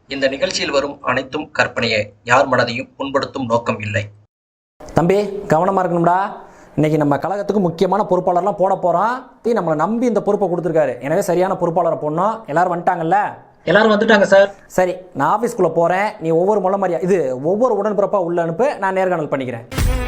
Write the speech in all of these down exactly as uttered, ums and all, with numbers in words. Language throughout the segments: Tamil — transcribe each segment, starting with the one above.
இந்த நிகழ்ச்சியில் வரும் அனைத்தும் கற்பனையே, யார் மனதையும் புண்படுத்தும் நோக்கம் இல்லை. தம்பி கவனமாக இருக்கணும்டா. இன்னைக்கு நம்ம கழகத்துக்கு முக்கியமான பொறுப்பாளர்லாம் போட போகிறோம். தீ நம்மளை நம்பி இந்த பொறுப்பை கொடுத்துருக்காரு. எனவே சரியான பொறுப்பாளரை போடணும். எல்லாரும் வந்துட்டாங்கல்ல? எல்லாரும் வந்துட்டாங்க சார். சரி, நான் ஆஃபீஸ்க்குள்ளே போகிறேன். நீ ஒவ்வொரு முள்ள மாதிரியா இது ஒவ்வொரு உடன்பிறப்பாக உள்ள அனுப்பு. நான் நேர்காணல் பண்ணிக்கிறேன்.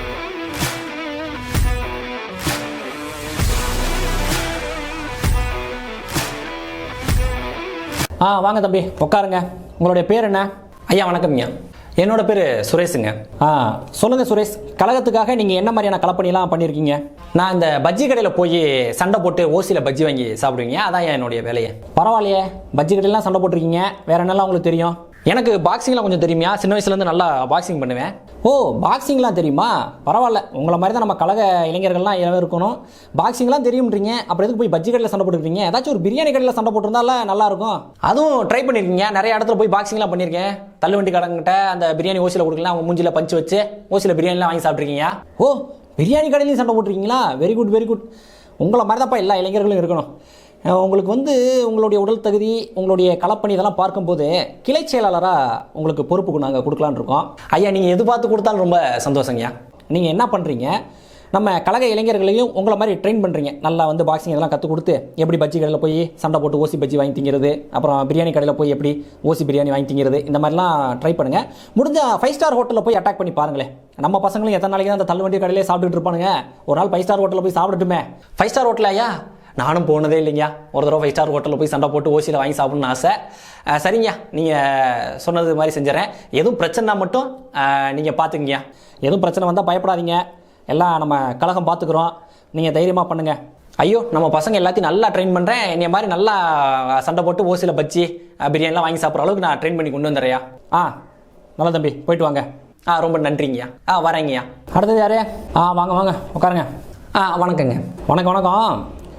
ஆ வாங்க தம்பி உட்காருங்க. உங்களுடைய பேர் என்ன? ஐயா வணக்கம்யா. என்னோட பேர் சுரேஷுங்க. ஆ சொல்லுங்கள் சுரேஷ், கழகத்துக்காக நீங்கள் என்ன மாதிரியான களப்பணிலாம் பண்ணியிருக்கீங்க? நான் இந்த பஜ்ஜி கடையில் போய் சண்டை போட்டு ஓசியில் பஜ்ஜி வாங்கி சாப்பிடுவீங்க, அதான் என்னுடைய வேலையை. பரவாயில்லையே, பஜ்ஜி கடையிலாம் சண்டை போட்டிருக்கீங்க. வேறு என்னெல்லாம் உங்களுக்கு தெரியும்? எனக்கு பாக்ஸிங்லாம் கொஞ்சம் தெரியுமா. சின்ன வயசுலேருந்து நல்லா பாக்ஸிங் பண்ணுவேன். ஓ, பாக்ஸிங்லாம் தெரியுமா? பரவாயில்ல, உங்களை மாதிரி தான் நம்ம கழக இளைஞர்கள்லாம் எல்லாம் இருக்கணும். பாக்ஸிங்லாம் தெரியும்ன்றீங்க, அப்புறம் எதுக்கு போய் பஜ்ஜி கடையில் சண்டை போட்டுருக்கீங்க? ஏதாச்சும் ஒரு பிரியாணி கடையில் சண்டை போட்டிருந்தால நல்லாயிருக்கும். அதுவும் ட்ரை பண்ணியிருக்கீங்க. நிறைய இடத்துல போய் பாக்ஸிங்லாம் பண்ணியிருக்கேன். தள்ளுவண்டி கடங்கிட்ட அந்த பிரியாணி ஓசியில் கொடுக்கலாம், அவங்க மூஞ்சியில் பஞ்சு வச்சு ஓசியில் பிரியாணிலாம் வாங்கி சாப்பிட்ருக்கீங்க. ஓ, பிரியாணி கடையிலையும் சண்டை போட்டிருக்கீங்களா? Very good very good. உங்களை மாதிரி தான்ப்பா எல்லா இளைஞர்களும் இருக்கணும். உங்களுக்கு வந்து உங்களுடைய உடல் தகுதி, உங்களுடைய களப்பணி இதெல்லாம் பார்க்கும்போது கிளை செயலாளராக உங்களுக்கு பொறுப்புக்கு நாங்கள் கொடுக்கலான்னு இருக்கோம். ஐயா, நீங்கள் எது பார்த்து கொடுத்தாலும் ரொம்ப சந்தோஷங்கய்யா. நீங்கள் என்ன பண்ணுறீங்க, நம்ம கழக இளைஞர்களையும் உங்களை மாதிரி ட்ரெயின் பண்ணுறீங்க. நல்லா வந்து பாக்ஸிங் இதெல்லாம் கற்றுக் கொடுத்து எப்படி பஜ்ஜி கடையில் போய் சண்டை போட்டு ஓசி பஜ்ஜி வாங்கி திங்கிறது, அப்புறம் பிரியாணி கடையில் போய் எப்படி ஓசி பிரியாணி வாங்கி திங்கிறது, இந்த மாதிரிலாம் ட்ரை பண்ணுங்கள். முடிஞ்சால் ஃபைவ் ஸ்டார் ஹோட்டலில் போய் அட்டாக் பண்ணி பாருங்களேன். நம்ம பசங்களும் எத்தனை நாளைக்கு தான் அந்த தள்ளுவண்டி கடையிலே சாப்பிட்டுட்டு இருப்பானுங்க. ஒரு நாள் ஃபைவ் ஸ்டார் ஹோட்டலில் போய் சாப்பிட்டுட்டுமே. ஃபைவ் ஸ்டார் ஹோட்டல் ஐயா நானும் போனதே இல்லைங்க. ஒரு தடவை ஃபைவ் ஸ்டார் ஹோட்டலில் போய் சண்டை போட்டு ஓசியில் வாங்கி சாப்பிட்ணுன்னு ஆசை. சரிங்க, நீங்கள் சொன்னது மாதிரி செஞ்சுறேன். எதுவும் பிரச்சனைனா மட்டும் நீங்கள் பார்த்துக்குங்க. எதுவும் பிரச்சனை வந்தால் பயப்படாதீங்க. எல்லாம் நம்ம கழகம் பார்த்துக்குறோம். நீங்கள் தைரியமாக பண்ணுங்கள். ஐயோ, நம்ம பசங்க எல்லாத்தையும் நல்லா ட்ரெயின் பண்ணுறேன். என்னைய மாதிரி நல்லா சண்டை போட்டு ஓசியில் பஜ்ஜி பிரியாணிலாம் வாங்கி சாப்பிட்ற அளவுக்கு நான் ட்ரெயின் பண்ணி கொண்டு வந்துடுறையா? ஆ நல்லா தம்பி, போயிட்டு வாங்க. ஆ ரொம்ப நன்றிங்கய்யா. ஆ வரேங்கய்யா. அடுத்தது யாரே? ஆ வாங்க வாங்க உட்காருங்க. ஆ வணக்கங்க. வணக்கம் வணக்கம்.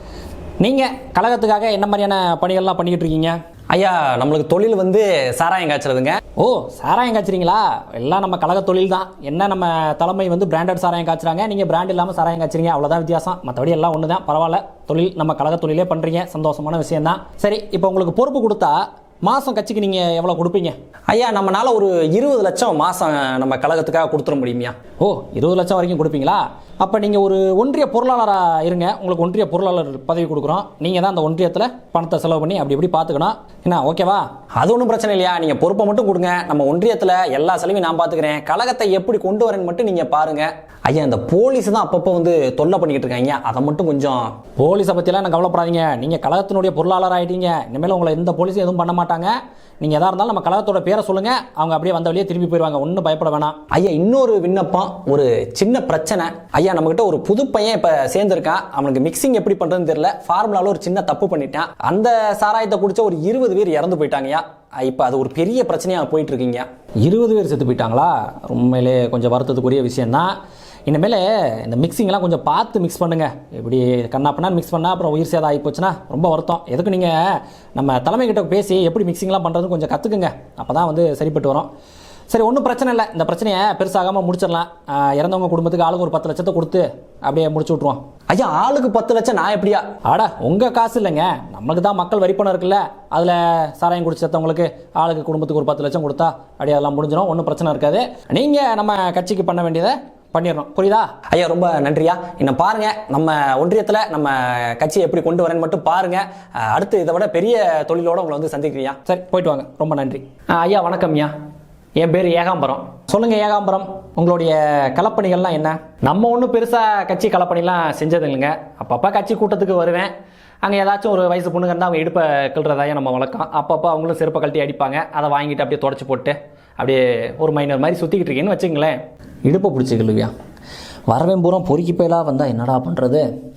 நீங்கள் கழகத்துக்காக என்ன மாதிரியான பணிகள்லாம் பண்ணிக்கிட்டு இருக்கீங்க? ஐயா, நம்மளுக்கு தொழில் வந்து சாராயம் காய்ச்சறதுங்க. ஓ, சாராயம் காய்ச்சறீங்களா? எல்லாம் நம்ம கழக தொழில் தான். என்ன நம்ம தலைமை வந்து பிராண்டட் சாராயம் காய்ச்சறாங்க, நீங்கள் பிராண்ட் இல்லாமல் சாராயம் காய்ச்சறீங்க, அவ்வளோதான் வித்தியாசம். மற்றபடி எல்லாம் ஒன்று தான். பரவாயில்ல, தொழில் நம்ம கழக தொழிலே பண்ணுறீங்க, சந்தோஷமான விஷயம் தான். சரி, இப்போ உங்களுக்கு பொறுப்பு கொடுத்தா மாதம் கட்சிக்கு நீங்கள் எவ்வளோ கொடுப்பீங்க? ஐயா, நம்மளால ஒரு இருபது லட்சம் மாதம் நம்ம கழகத்துக்காக கொடுத்துட முடியுமையா? ஓ, இருபது லட்சம் வரைக்கும் கொடுப்பீங்களா? அப்போ நீங்கள் ஒரு ஒன்றிய பொருளாளராக இருங்க. உங்களுக்கு ஒன்றிய பொருளாளர் பதவி கொடுக்குறோம். நீங்கள் தான் அந்த ஒன்றியத்தில் பணத்தை செலவு பண்ணி அப்படி இப்படி பார்த்துக்கணும். என்ன ஓகேவா? அது ஒன்றும் பிரச்சனை இல்லையா. நீங்கள் பொறுப்பை மட்டும் கொடுங்க. நம்ம ஒன்றியத்தில் எல்லா செலவையும் நான் பார்த்துக்கிறேன். கழகத்தை எப்படி கொண்டு வரேன்னு மட்டும் நீங்கள் பாருங்கள். ஐயா, இந்த போலீஸ் தான் அப்பப்போ வந்து தொல்லை பண்ணிக்கிட்டு இருக்காங்க. அதை மட்டும் கொஞ்சம். போலீஸை பற்றிலாம் நான் கவலைப்படாதீங்க. நீங்கள் கழகத்தினுடைய பொருளாளர் ஆகிட்டீங்க. இனிமேல் உங்களை எந்த போலீஸும் எதுவும் பண்ண மாட்டாங்க. நீங்கள் எதாக இருந்தாலும் நம்ம கழகத்தோட பேரை சொல்லுங்கள், அவங்க அப்படியே வந்த வழியே திரும்பி போயிடுவாங்க. ஒன்றும் பயப்பட வேணாம். ஐயா, இன்னொரு விண்ணப்பம், ஒரு சின்ன பிரச்சனை. ஐயா, நம்மகிட்ட ஒரு புது பையன் இப்போ சேர்ந்துருக்கான். அவனுக்கு மிக்சிங் எப்படி பண்ணுறதுன்னு தெரியல. ஃபார்முலாவில் ஒரு சின்ன தப்பு பண்ணிட்டான். அந்த சாராயத்தை குடிச்ச ஒரு இருபது பேர் இறந்து போயிட்டாங்கய்யா. இப்போ அது ஒரு பெரிய பிரச்சனையாக போயிட்டு இருக்கீங்க. இருபது பேர் செத்து போயிட்டாங்களா? உண்மையிலே கொஞ்சம் வருத்தத்துக்குரிய விஷயம்தான். இனிமேல் இந்த மிக்சிங்லாம் கொஞ்சம் பார்த்து மிக்ஸ் பண்ணுங்கள். இப்படி கண்ணாப்பண்ணா மிக்ஸ் பண்ணால் அப்புறம் உயிர் சேதம் ஆகி போச்சுன்னா ரொம்ப வருத்தம். எதுக்கு நீங்கள் நம்ம தலைமைக்கிட்ட பேசி எப்படி மிக்சிங்லாம் பண்ணுறதுன்னு கொஞ்சம் கற்றுக்குங்க. அப்போ தான் வந்து சரிப்பட்டு வரும். சரி, ஒன்றும் பிரச்சனை இல்லை. இந்த பிரச்சனையை பெருசாகாமல் முடிச்சிடலாம். இறந்தவங்க குடும்பத்துக்கு ஆளுக்கு ஒரு பத்து லட்சத்தை கொடுத்து அப்படியே முடிச்சு விட்ருவோம். ஐயா, ஆளுக்கு பத்து லட்சம் நான் எப்படியா? ஆடா, உங்கள் காசு இல்லைங்க, நம்மளுக்கு தான் மக்கள் வரி பணம் இருக்குல்ல. அதில் சாராயம் குடிச்சு செத்தவங்களுக்கு ஆளுக்கு குடும்பத்துக்கு ஒரு பத்து லட்சம் கொடுத்தா அப்படியே அதெல்லாம் முடிஞ்சிடும். ஒன்றும் பிரச்சனை இருக்காது. நீங்கள் நம்ம கட்சிக்கு பண்ண வேண்டியதை பண்ணிடணும். புரியுதா? ஐயா, ரொம்ப நன்றியா. இன்னும் பாருங்க, நம்ம ஒன்றியத்தில் நம்ம கட்சியை எப்படி கொண்டு வரேன்னு மட்டும் பாருங்க. அடுத்து இதை விட பெரிய தொழிலோட உங்களை வந்து சந்திக்கிறியா? சரி, போயிட்டு வாங்க. ரொம்ப நன்றி. ஐயா வணக்கம். ஐயா, என் பேர் ஏகாம்பரம். சொல்லுங்க ஏகாம்பரம், உங்களுடைய களப்பணிகள்லாம் என்ன? நம்ம ஒன்றும் பெருசாக கட்சி களப்பணிலாம் செஞ்சது இல்லைங்க. அப்பப்போ கட்சி கூட்டத்துக்கு வருவேன். அங்கே ஏதாச்சும் ஒரு வயசு பொண்ணுங்க இருந்தால் அவங்க இடுப்பை கிள்றதாயே நம்ம வழக்கம். அப்பப்போ அவங்களும் செருப்பை கழட்டி அடிப்பாங்க. அதை வாங்கிட்டு அப்படியே தொடச்சி போட்டு அப்படியே ஒரு மைனர் மாதிரி சுற்றிக்கிட்டு இருக்கீங்கன்னு வச்சுங்களேன். இடுப்பை பிடிச்சிக்கலுவியா? வரவேன் பூரா பொறுக்கி போயெல்லாம் வந்தால் என்னடா பண்ணுறது?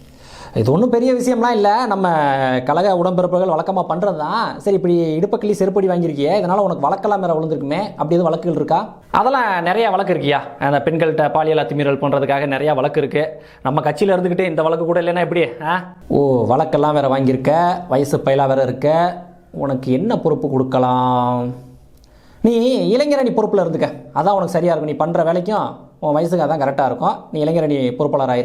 இது ஒன்றும் பெரிய விஷயம்லாம் இல்லை. நம்ம கழக உடம்பிறப்புகள் வழக்கமாக பண்ணுறது தான். சரி, இப்படி இடுப்பக்கிளி செருப்படி வாங்கியிருக்கியே, இதனால் உனக்கு வழக்கெல்லாம் மேலே விழுந்திருக்குமே, அப்படி எதுவும் வழக்குகள் இருக்கா? அதெல்லாம் நிறையா வழக்கு இருக்கியா. அந்த பெண்கள்கிட்ட பாலியல் அத்துமீறல் பண்ணுறதுக்காக நிறையா வழக்கு இருக்குது. நம்ம கட்சியில் இருந்துக்கிட்டு இந்த வழக்கு கூட இல்லைன்னா எப்படி? ஆ ஓ, வழக்கெல்லாம் வேறு வாங்கியிருக்க, வயசு பயிலாக வேறு இருக்க. உனக்கு என்ன பொறுப்பு கொடுக்கலாம்? நீ இளைஞரணி பொறுப்பில் இருந்துக்க, அதான் உனக்கு சரியாக இருக்கும். நீ பண்ணுற வேலைக்கும் உன் வயசுக்கு அதான் கரெக்டாக இருக்கும். நீ இளைஞரணி பொறுப்பாளர் ஆயிரு.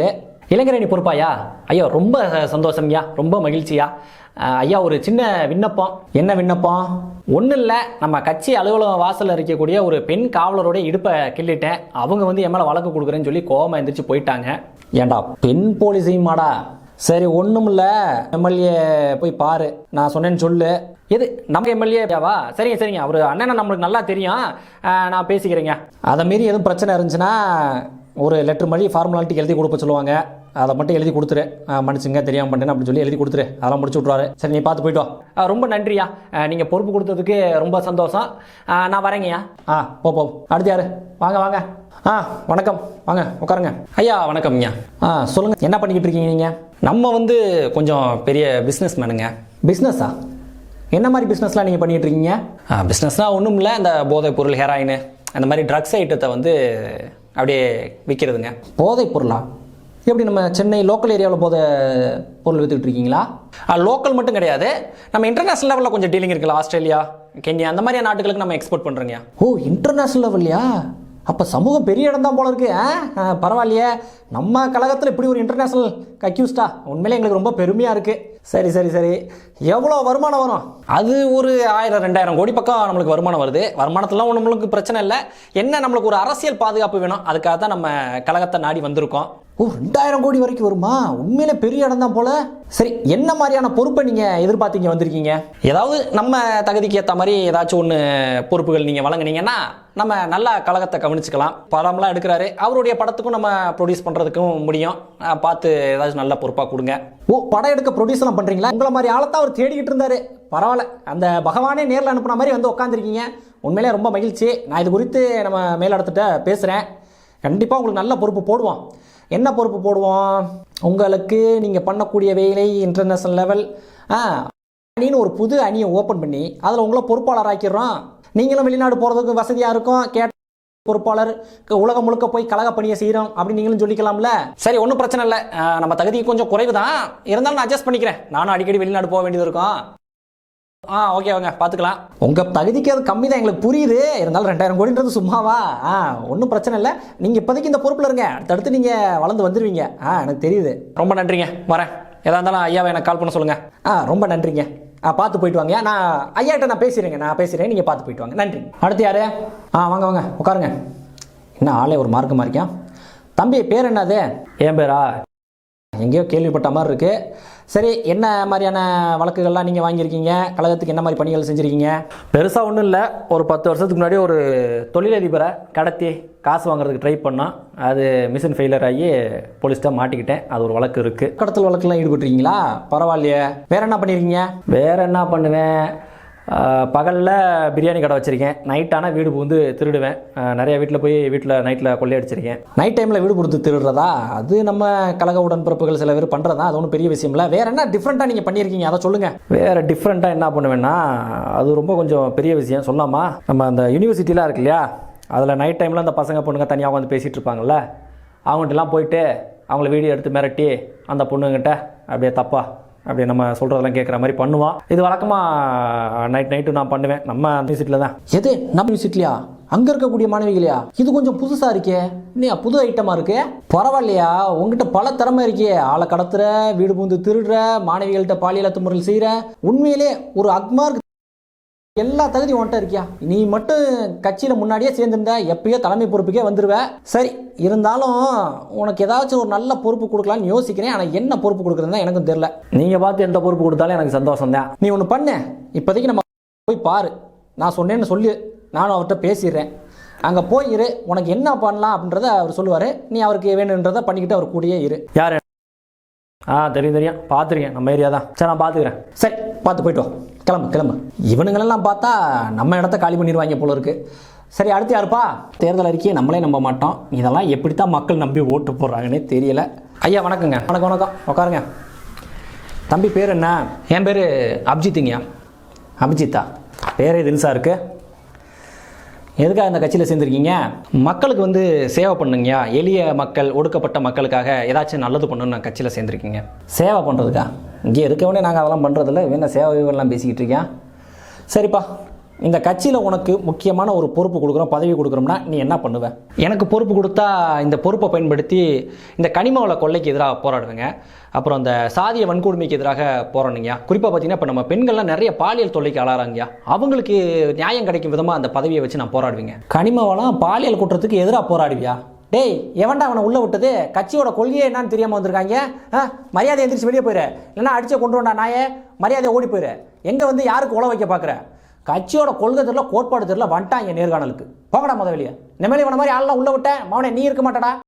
இளைஞரணி பொறுப்பாயா? ஐயா ரொம்ப சந்தோஷம்யா, ரொம்ப மகிழ்ச்சியா. ஐயா ஒரு சின்ன விண்ணப்பம். என்ன விண்ணப்பம்? ஒன்றும் இல்லை, நம்ம கட்சி அலுவலகம் வாசலில் இருக்கக்கூடிய ஒரு பெண் காவலரோட இடுப்பை கிள்ளிட்டேன். அவங்க வந்து என் மேலே வழக்கு கொடுக்குறேன்னு சொல்லி கோவமா எந்திரிச்சு போயிட்டாங்க. ஏண்டா பெண் போலீஸையும் மாடா? சரி ஒன்றும் இல்லை, எம்எல்ஏ போய் பாரு, நான் சொன்னேன்னு சொல்லு. எது நம்ம எம்எல்ஏவா? சரிங்க சரிங்க, அவர் அண்ணனை நம்மளுக்கு நல்லா தெரியும், நான் பேசிக்கிறேங்க. அதை மீறி எதுவும் பிரச்சனை இருந்துச்சுன்னா ஒரு லெட்டர் மாதிரி ஃபார்மாலிட்டிக்கு எழுதி கொடுப்ப சொல்லுவாங்க, அதை மட்டும் எழுதி கொடுத்துரு. மன்னிச்சுங்க தெரியாமல் பண்ணேன் அப்படின்னு சொல்லி எழுதி கொடுத்துரு, அதெல்லாம் முடிச்சு விட்ருவாரு. சரி நீ பார்த்து போய்ட்டு வா. ரொம்ப நன்றியா, நீங்கள் பொறுப்பு கொடுத்ததுக்கு ரொம்ப சந்தோஷம். நான் வரேங்கய்யா. ஆ போ போ. அடுத்து யாரு? வாங்க வாங்க. ஆ வணக்கம், வாங்க உட்காருங்க. ஐயா வணக்கம்யா. ஆ சொல்லுங்கள், என்ன பண்ணிக்கிட்டு இருக்கீங்க நீங்கள்? நம்ம வந்து கொஞ்சம் பெரிய பிஸ்னஸ் மேனுங்க. பிஸ்னஸா? என்ன மாதிரி பிஸ்னஸ்லாம் நீங்கள் பண்ணிகிட்டு இருக்கீங்க? பிஸ்னஸ்னால் ஒன்றும் இல்லை, இந்த போதைப் பொருள், ஹெராயின், அந்த மாதிரி ட்ரக்ஸ் ஐட்டத்தை வந்து அப்படியே விற்கிறதுங்க. போதைப் பொருளா? எப்படி நம்ம சென்னை லோக்கல் ஏரியாவில் போதை பொருள் விற்றுக்கிட்டு இருக்கீங்களா? லோக்கல் மட்டும் கிடையாது, நம்ம இன்டர்நேஷனல் லெவலில் கொஞ்சம் டீலிங் இருக்குல்ல, ஆஸ்திரேலியா, கென்யா, அந்த மாதிரியான நாட்டுகளுக்கு நம்ம எக்ஸ்போர்ட் பண்ணுறோங்க. ஓ இன்டர்நேஷனல் லெவல்லையா? அப்போ சமூகம் பெரிய இடம் தான் போல இருக்கு. ஆ பரவாயில்லையே, நம்ம கழகத்தில் இப்படி ஒரு இன்டர்நேஷனல் அக்யூஸ்டா, உண்மையிலே எங்களுக்கு ரொம்ப பெருமையாக இருக்குது. சரி சரி சரி, எவ்வளோ வருமானம் வரும்? அது ஒரு ஆயிரம் ரெண்டாயிரம் கோடி பக்கம் நம்மளுக்கு வருமானம் வருது. வருமானத்துலாம் நம்மளுக்கு பிரச்சனை இல்லை. என்ன நம்மளுக்கு ஒரு அரசியல் பாதுகாப்பு வேணும், அதுக்காக தான் நம்ம கழகத்தை நாடி வந்திருக்கோம். ஓ ரெண்டாயிரம் கோடி வரைக்கும் வருமா? உண்மையிலே பெரிய இடம் தான் போல. சரி என்ன மாதிரியான பொறுப்பை நீங்கள் எதிர்பார்த்தீங்க வந்திருக்கீங்க? ஏதாவது நம்ம தகுதிக்கு ஏற்ற மாதிரி ஏதாச்சும் ஒன்று பொறுப்புகள் நீங்கள் வழங்குனீங்கன்னா நம்ம நல்லா கழகத்தை கவனிச்சுக்கலாம். படம்லாம் எடுக்கிறாரு, அவருடைய படத்துக்கும் நம்ம ப்ரொடியூஸ் பண்ணுறதுக்கும் முடியும். பார்த்து ஏதாச்சும் நல்ல பொறுப்பாக கொடுங்க. ஓ படம் எடுக்க ப்ரொடியூஸ் எல்லாம் பண்ணுறீங்களா? உங்களை மாதிரி ஆளத்தான் அவர் தேடிக்கிட்டு இருந்தாரு. பரவாயில்ல, அந்த பகவானே நேரில் அனுப்புன மாதிரி வந்து உட்காந்துருக்கீங்க. உண்மையிலே ரொம்ப மகிழ்ச்சி. நான் இது குறித்து நம்ம மேலிடத்துட்ட பேசுகிறேன். கண்டிப்பாக உங்களுக்கு நல்ல பொறுப்பு போடுவோம். என்ன பொறுப்பு போடுவோம் உங்களுக்கு? நீங்கள் பண்ணக்கூடிய வேலை இன்டர்நேஷனல் லெவல் ஆ அணின்னு ஒரு புது அணியை ஓப்பன் பண்ணி அதில் உங்களை பொறுப்பாளர் ஆக்கிடுறோம். நீங்களும் வெளிநாடு போகிறதுக்கு வசதியாக இருக்கும். கேட்ட பொறுப்பாளர் உலகம் முழுக்க போய் கழக பணியை செய்கிறோம் அப்படின்னு நீங்களும் சொல்லிக்கலாம்ல. சரி ஒன்றும் பிரச்சனை இல்லை, நம்ம தகுதி கொஞ்சம் குறைவு தான், இருந்தாலும் நான் அட்ஜஸ்ட் பண்ணிக்கிறேன். நானும் அடிக்கடி வெளிநாடு போக வேண்டியது இருக்கும். ஆ ஓகே வாங்க பார்த்துக்கலாம். உங்கள் தகுதிக்கு அது கம்மி தான், எங்களுக்கு புரியுது. இருந்தாலும் ரெண்டாயிரம் கோடின்றது சும்மாவா? ஆ ஒன்றும் பிரச்சனை இல்லை, நீங்கள் இப்போதைக்கு இந்த பொறுப்பில் இருங்க, அடுத்தடுத்து நீங்கள் வளர்ந்து வந்துடுவீங்க. ஆ எனக்கு தெரியுது. ரொம்ப நன்றிங்க, வரேன். எதாக இருந்தாலும் ஐயாவை எனக்கு கால் பண்ண சொல்லுங்கள். ஆ ரொம்ப நன்றிங்க. ஆ பார்த்து போயிட்டு வாங்க. நான் ஐயாட்ட நான் பேசுகிறேங்க, நான் பேசுகிறேன், நீங்கள் பார்த்து போயிட்டு வாங்க. நன்றி. அடுத்து யார்? ஆ வாங்க வாங்க உட்காருங்க. என்ன ஆளே ஒரு மார்க்கமாக இருக்கான். தம்பி பேர் என்னது? என் பேரா? எங்கேயோ கேள்விப்பட்ட மாதிரி இருக்குது. சரி என்ன மாதிரியான வழக்குகள்லாம் நீங்கள் வாங்கியிருக்கீங்க? கழகத்துக்கு என்ன மாதிரி பணிகள் செஞ்சுருக்கீங்க? பெருசாக ஒன்றும் இல்லை, ஒரு பத்து வருஷத்துக்கு முன்னாடி ஒரு தொழிலதிபரை கடத்தி காசு வாங்குறதுக்கு ட்ரை பண்ணோம். அது மிஷின் ஃபெயிலியர் ஆகி போலீஸ்ட்டாக மாட்டிக்கிட்டேன். அது ஒரு வழக்கு இருக்குது. கடத்தல் வழக்குலாம் ஈடுபட்டுருக்கீங்களா? பரவாயில்லையே. வேறு என்ன பண்ணியிருக்கீங்க? வேறு என்ன பண்ணுவேன், பகலில் பிரியாணி கடை வச்சுருக்கேன், நைட் ஆனால் வீடு புகுந்து திருடுவேன். நிறைய வீட்டில் போய் வீட்டில் நைட்டில் கொள்ளையடிச்சிருக்கேன். நைட் டைமில் வீடு கொடுத்து திருடுறதா? அது நம்ம கழக உடன்பிறப்புகள் சில பேர் பண்ணுறதா, அது ஒன்றும் பெரிய விஷயம் இல்லை. வேறு என்ன டிஃப்ரெண்ட்டாக நீங்கள் பண்ணியிருக்கீங்க, அதை சொல்லுங்கள். வேறு டிஃப்ரெண்ட்டாக என்ன பண்ணுவேன்னா, அது ரொம்ப கொஞ்சம் பெரிய விஷயம் சொல்லாமா. நம்ம அந்த யூனிவர்சிட்டிலாம் இருக்கு இல்லையா, அதில் நைட் டைமில் அந்த பசங்க பொண்ணுங்க தனியாக வந்து பேசிகிட்டு இருப்பாங்கள்ல, அவங்கள்ட்டலாம் போயிட்டு அவங்கள வீடியோ எடுத்து மிரட்டி அந்த பொண்ணுங்கிட்ட அப்படியே தப்பா அப்படி நம்ம சொல்கிறதெல்லாம் கேட்குற மாதிரி பண்ணுவான். இது வழக்கமாக நைட் நைட்டு நான் பண்ணுவேன். நம்ம யூனிவர்சிட்டியில் தான். எது நம்ம யூனிவர்சிட்டிலையா? அங்கே இருக்கக்கூடிய மாணவிகளையா? இது கொஞ்சம் புதுசாக இருக்கே, இல்லையா? புது ஐட்டமாக இருக்கு. பரவாயில்லையா, உங்ககிட்ட பல திறமை இருக்கே. ஆளை கடத்துற, வீடு பூந்து திருடுற, மாணவிகள்கிட்ட பாலியல் துமுறல் செய்கிற, உண்மையிலே ஒரு அக்மார்க் எல்லா தகுதியும் உன்ட்ட இருக்கியா? நீ மட்டும் கட்சியில் முன்னாடியே சேர்ந்துருந்தா எப்பயோ தலைமை பொறுப்புக்கே வந்துடுவேன். சரி இருந்தாலும் உனக்கு ஏதாச்சும் ஒரு நல்ல பொறுப்பு கொடுக்கலான்னு யோசிக்கிறேன். ஆனால் என்ன பொறுப்பு கொடுக்குறதுதான் எனக்கும் தெரியல. நீங்கள் பார்த்து எந்த பொறுப்பு கொடுத்தாலும் எனக்கு சந்தோஷம் தான். நீ ஒன்று பண்ண, இப்போதைக்கு நம்ம போய் பாரு, நான் சொன்னேன்னு சொல்லி நானும் அவர்கிட்ட பேசிடுறேன். அங்கே போய் இரு, உனக்கு என்ன பண்ணலாம் அப்படின்றத அவர் சொல்லுவார். நீ அவருக்கு வேணுன்றதை பண்ணிக்கிட்டு அவர் கூடயே இரு. யார்? ஆ தெரியும் தெரியும், பார்த்துருக்கேன், நம்ம ஏரியா தான். சரி நான் பார்த்துக்கிறேன். சரி பார்த்து போய்ட்டு வா, கிளம்பு கிளம்பு. இவனுங்களெல்லாம் பார்த்தா நம்ம இடத்த காலி பண்ணிடுவாங்க போல இருக்கு. சரி அடுத்து யாருப்பா? தேர்தல் அறிக்கையை நம்மளே நம்ப மாட்டோம், இதெல்லாம் எப்படித்தான் மக்கள் நம்பி ஓட்டு போடுறாங்கன்னே தெரியல. ஐயா வணக்கங்க. வணக்கம் வணக்கம், உட்காருங்க. தம்பி பேர் என்ன? என் பேர் அபிஜித்துங்கய்யா. அபிஜித்தா? பேரே தில்சா இருக்கு. எதுக்காக இந்த கட்சியில் சேர்ந்துருக்கீங்க? மக்களுக்கு வந்து சேவை பண்ணுங்கய்யா, எளிய மக்கள், ஒடுக்கப்பட்ட மக்களுக்காக ஏதாச்சும் நல்லது பண்ணணும்னு நான் கட்சியில் சேர்ந்துருக்கீங்க. சேவை பண்ணுறதுக்கா? இங்கே இருக்கவனே நாங்கள் அதெல்லாம் பண்ணுறதில்ல, வேணா சேவைகள்லாம் பேசிக்கிட்டு இருக்கேன். சரிப்பா இந்த கட்சியில் உனக்கு முக்கியமான ஒரு பொறுப்பு கொடுக்குறோம், பதவி கொடுக்குறோம்னா நீ என்ன பண்ணுவ? எனக்கு பொறுப்பு கொடுத்தா இந்த பொறுப்பை பயன்படுத்தி இந்த கனிம வள கொள்ளைக்கு எதிராக போராடுவேங்க. அப்புறம் அந்த சாதிய வன்கொடுமைக்கு எதிராக போராடுங்க. குறிப்பாக பார்த்தீங்கன்னா இப்போ நம்ம பெண்கள்லாம் நிறைய பாலியல் தொல்லைக்கு ஆளாறாங்க. அவங்களுக்கு நியாயம் கிடைக்கும் விதமாக அந்த பதவியை வச்சு நான் போராடுவேங்க. கனிம வளம் பாலியல் குற்றத்துக்கு எதிராக போராடுவியா? டேய், எவன்டா அவனை உள்ளே விட்டது? கட்சியோட கொள்கையே என்னன்னு தெரியாமல் வந்திருக்காங்க. ஆ, மரியாதை எந்திரிச்சு வெளியே போயிரு, இல்லைன்னா அடிச்சே கொண்டு வந்தா நாயே, மரியாதை ஓடி போயிரு. எங்கே வந்து யாருக்கு உழ வைக்க பார்க்குற? கட்சியோட கொள்கை தெரியல, கோட்பாடு தெரியல, வந்துட்டாங்க நேர்காணலுக்கு. போகடா முத வெளியே. இந்த மாதிரி இவன மாதிரி ஆள்லாம் உள்ள விட்டேன் மவனே, நீ இருக்க மாட்டடா.